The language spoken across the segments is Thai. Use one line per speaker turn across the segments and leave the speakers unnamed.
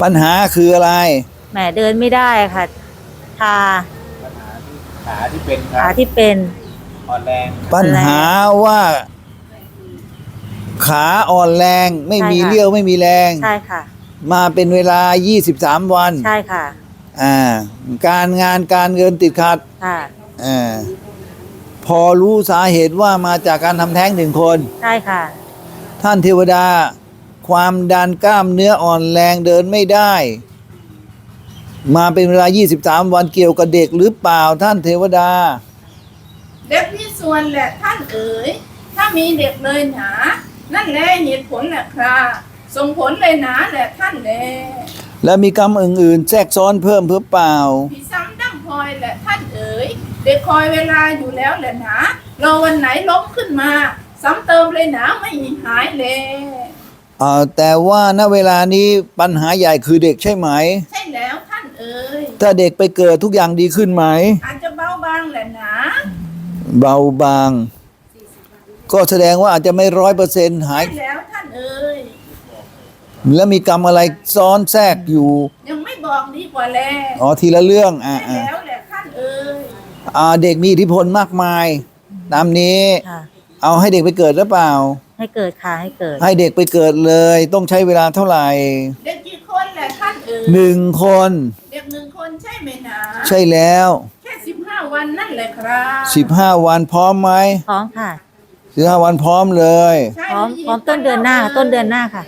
ปัญหาคืออะไร
แหมเดินไม่ได้ค่ะชา
ปัญหาที่ขาที่เป็นครั
ขา
บ
ที่เป็น
อ่อนแรง
ปัญหาว่าขาอ่อนแรงไม่มีเรี่ยวไม่มีแรง
ใช่ค่ะ
มาเป็นเวลา23วัน
ใช่ค่ะ
การงานการเงินติดขัด
ค่ะ
พอรู้สาเหตุว่ามาจากการทำแท้ง1 คน
ใช่ค่ะ
ท่านเทวดาความดันกล้ามเนื้ออ่อนแรงเดินไม่ได้ มาเป็นเวลา23วันเกี่ยวกับเด็กหรือเปล่าท่านเทวดา
เด็กมีส่วนแหละท่านเอ๋ยถ้ามีเด็กเลยหนานั่นแหละเหตุผลแหละครับส่งผลเลยหนาแหละท่านแล
แล้วมีกรรมอื่นๆแทรกซ้อนเพิ่มเพื่อเปล่า
พี่ซ้ำดั้งพลอยแหละท่านเอ๋ยเด็กคอยเวลาอยู่แล้วแหละหนารอวันไหนล้มขึ้นมาซ้ำเติมเลยหนาไม่หายเลย
แต่ว่าณเวลานี้ปัญหาใหญ่คือเด็กใช่ไหม
ใช่แล้วท่านเอ๋ย
ถ้าเด็กไปเกิดทุกอย่างดีขึ้นไหม
อาจจะเบาบางแหละหนา
เบาบางก็แสดงว่าอาจจะไม่100%หาย
ใช่แล้วท่านเอ๋ย
แล้วมีกรรมอะไรซ้อนแทรกอยู่
ยังไม่บอกดีกว่าแล
ทีละเรื่อง
ใช่แล้วแหละท่านเอ๋ย
เด็กมีอิทธิพลมากมายตามนี้เอาให้เด็กไปเกิดหรือเปล่า
ให้เกิดค่ะให้เกิด
ให้เด็กไปเกิดเลยต้องใช้เวลาเท่าไหร่
เด็กกี่คนแหละท่านเอ๋ย
1 คน
เด็ก1 คนใช่ไหมนะ
ใช่แล้ว
แค่15 วันนั่นแหละครับ
15 วันพร้อมไหม
พร้อมค่ะ
15 วันพร้อมเลย
พร้อมต้นเดือนหน้าค่ะ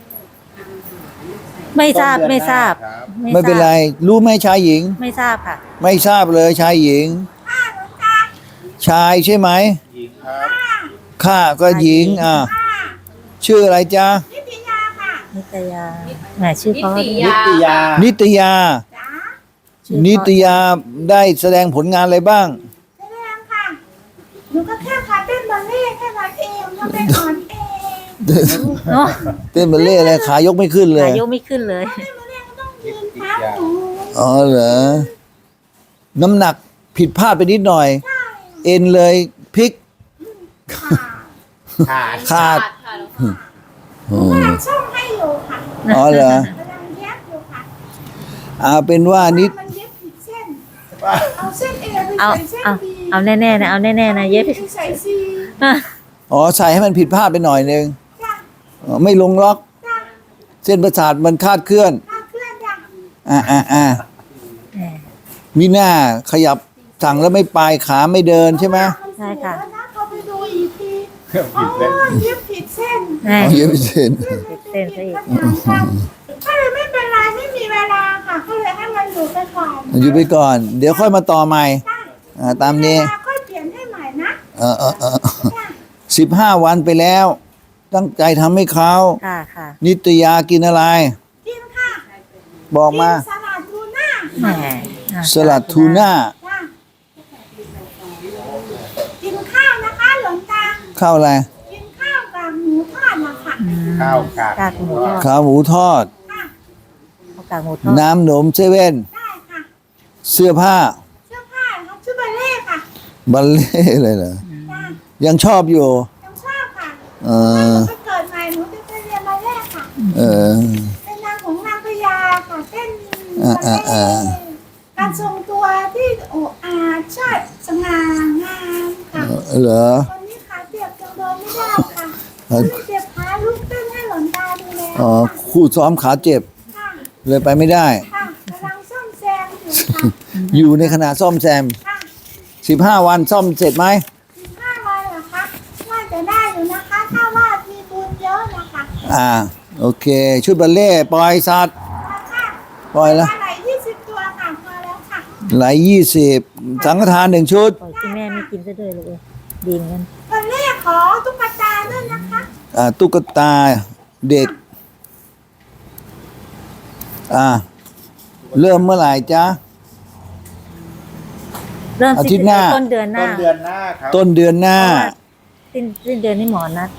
ไม่ทราบ
ไม่เป็นไรรู้ไหมชายหญิง
ไม่ทราบค่ะ
ไม่ทราบเลยชายหญิงชายใช่ไหม
หญิงครับ
ข้าก็หญิงชื่ออะไรจ๊ะ
นิตยาค่ะ
นิตยาแหมชื่อเขา
นิตยา
นิตยานิตยาได้แสดงผลงานอะไรบ้าง
แสดงค่ะหนูก็แค่ขาเต้นบัลเล่แค่นั้นเองแล้วเป็นอ่อนเอง
เต้นบัลเล่อะไรขายกไม่ขึ้นเลย
ขายกไม่ขึ้นเลย
เต้นบัลเล่ก็ต้องยืนเท้าหนู
เหรอน้ำหนักผิดพลาดไปนิดหน่อยเอ็นเลยพลิกขาด
กำลังช่องให้อยู่ค่ะ
เหรอก
ำลังเย็บอยู่
ค่ะเป็นว่านิด
มันเย็บผิดเส้นเอาเส้นเอไปใส่เส้นบี
เอาแน่ๆนะเอาแน่ๆนะเย็บ
ใส่ซี
ใส่ให้มันผิดพลาดไปหน่อยนึงไม่ลงล็อกเส้นประสาทมันคาดเคลื่อนมีหน้าขยับสั่งแล้วไม่ไปขาไม่เดินใช่ไหม
ใช่ค่ะ
เขาไปดูอีกทีเย็บผิดเส้น
เย็บผิดเส้น
ซะอีก
ก็เลยไม่เป็นไรไม่มีเวลาค่ะก็เลยให้มันอยู่ไปก่อน
อยู่ไปก่อนเดี๋ยวค่อยมาต่อใหม่ตามนี้
ค่อยเปลี่ยนให้ใหม่นะ
15 วันไปแล้วตั้งใจทำให้เขา
ค่ะ
นิตยากินอะไร
กินค่ะ
บอกมา
สลัดทูน่า
สลัดทูน่า
กินข้าวนะคะหลวงตา
ข้าวอะไร
กินข้าวกับหมูทอดนะคะ
ข้าวกาก
หมูทอด
ข้าวหมูทอดน้ำหนมเซเว่น
ได้ค่ะ
เสื้อผ้า
ครับชื่อบัลเล่ค่ะ
บัลเล่เลยเหรอยังชอบอยู่
ยังชอบค่ะถ้าเกิดใหม่หนูจะไปเรียนบัลเล่ค่ะเป็นนางของนางพญาค่ะเต้นบัลเล่การทรงตัวที่ชาติสง่างามค่ะ
เหรอ
ตอนนี้ขาเจ็บจังเลยไม่ได้ค่ะเจ็บขาลูกเต้นให้หลอนตาดูแล
คู่ซ้อมขาเจ็บเลยไปไม่ได้
ค่ะกำลังซ่อมแซม
อยู่ในขณะซ่อมแซม15 วันซ่อมเสร็จไหม
15 วันเหรอคะน่าจะได้อยู่นะคะถ้าว่ามีบุญเยอะนะคะ
โอเคชุดบัลเล่ปล่อยสัตว์ปล่อยแล้ว
ไหล20 ตัวค่ะพอแล้วค่ะ
ไหล20สังฆทาน1 ชุด
ปล่อยที่แม่ไม่กินซะเลยลูกดีเหมือนกัน
บัลเล่ขอตุ๊กตาด้วยนะคะ
ตุ๊กตาเด็กเริ่มเมื่อไหร่จ๊ะ
เริ่ม
อาทิตย์หน้า
ต้นเดือนหน้า
ครับ
ต้นเดือนหน้า
สิ้นเดือนนี่หมอนัด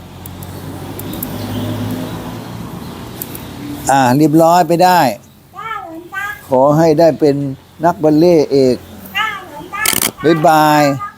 เรียบร้อยไปได้ขอให้ได้เป็นนักบัลเล่เอกบ๊ายบาย